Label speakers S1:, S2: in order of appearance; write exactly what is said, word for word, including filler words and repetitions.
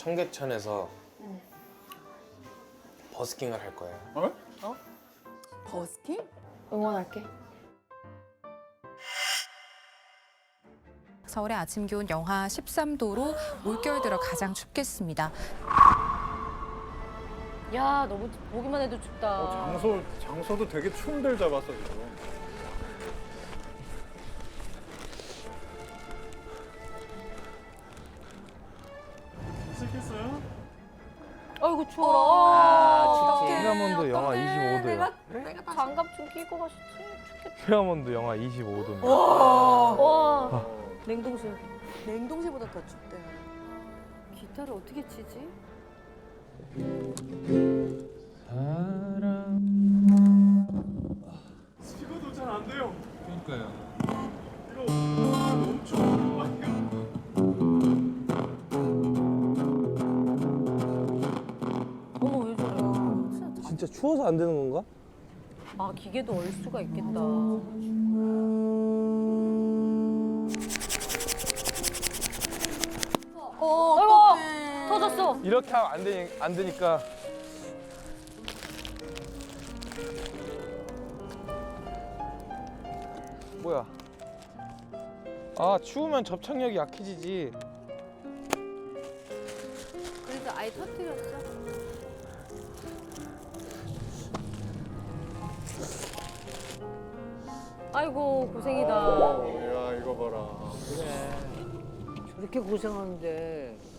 S1: 청계천에서 버스킹을 할 거예요.
S2: 어?
S3: 버스킹?
S2: 응원할게.
S4: 서울의 아침 기온 영하 십삼 도로 올겨울 들어 가장 춥겠습니다.
S2: 야, 너무 보기만 해도 춥다.
S5: 어, 장소, 장소도 되게 추운 데를 잡았어, 지금.
S6: 시작했어요?
S2: 아이고 추워라.
S3: 아,
S2: 춥지.
S6: 휘하몬드 영하 이십오 도요.
S2: 내가, 내가 장갑 좀 끼고 가셨지. 춥겠다.
S6: 휘하몬드 영하 이십오 도입니다.
S2: 와, 냉동실.
S3: 냉동실보다 더 춥대.
S2: 기타를 어떻게 치지?
S6: 식어도 잘 안 돼요.
S7: 그러니까요.
S6: 이거 너무 추워.
S2: 어머 왜 저래?
S1: 진짜 추워서 안 되는 건가?
S2: 아 기계도 얼 수가 있겠다.
S3: 어,
S2: 아이고
S3: 어떡해.
S2: 터졌어.
S1: 이렇게 하면 안, 되니, 안 되니까 뭐야? 아 추우면 접착력이 약해지지.
S2: 그래서 아예 터뜨렸어. 아이고 고생이다.
S5: 야, 이거 봐라.
S8: 저렇게 고생하는데